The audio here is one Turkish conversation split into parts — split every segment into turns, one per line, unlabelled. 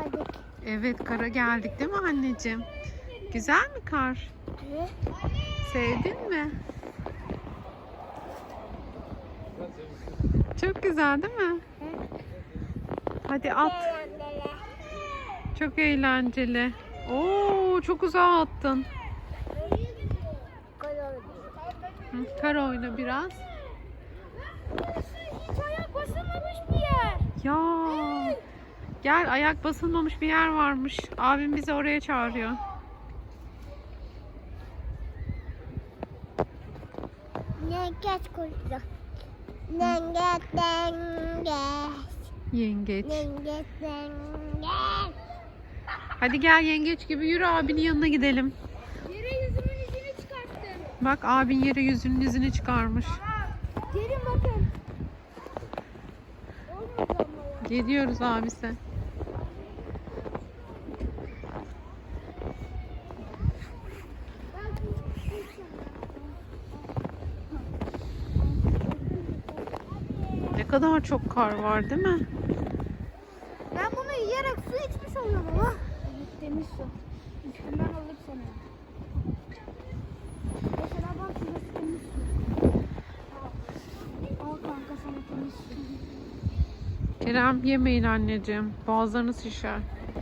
geldik.
Evet, kara geldik değil mi anneciğim? Güzel mi kar?
Evet.
Sevdin mi? Çok güzel değil mi? Hadi at. Çok eğlenceli. Oo, çok uzağa attın. Hı, kar oyna biraz.
Hiç ayak basılmamış bir yer.
Ya. Gel, ayak basılmamış bir yer varmış. Abim bizi oraya çağırıyor.
Yengeç kurdu. Yengeç, yengeç.
Yengeç.
Yengeç, yengeç.
Hadi gel, yengeç gibi yürü, abinin yanına gidelim.
Yere yüzümün izini çıkarttım.
Bak, abin yere yüzünün izini çıkarmış.
Gelin bakın. Olmadı ama ya.
Geliyoruz abisi. Ne kadar çok kar var değil mi?
Ben bunu yiyerek su içmiş oluyorum ama. Evet, temiz su. Üstünden alır sana. Mesela bak şurası temiz su. Al kanka sana temiz su.
Kerem, yemeyin anneciğim. Boğazlarınız şişer.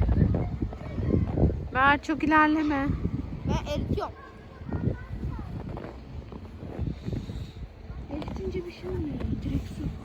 Ver, çok ilerleme.
Ben eritiyorum. Eritince bir şey olmuyor. Direkt su.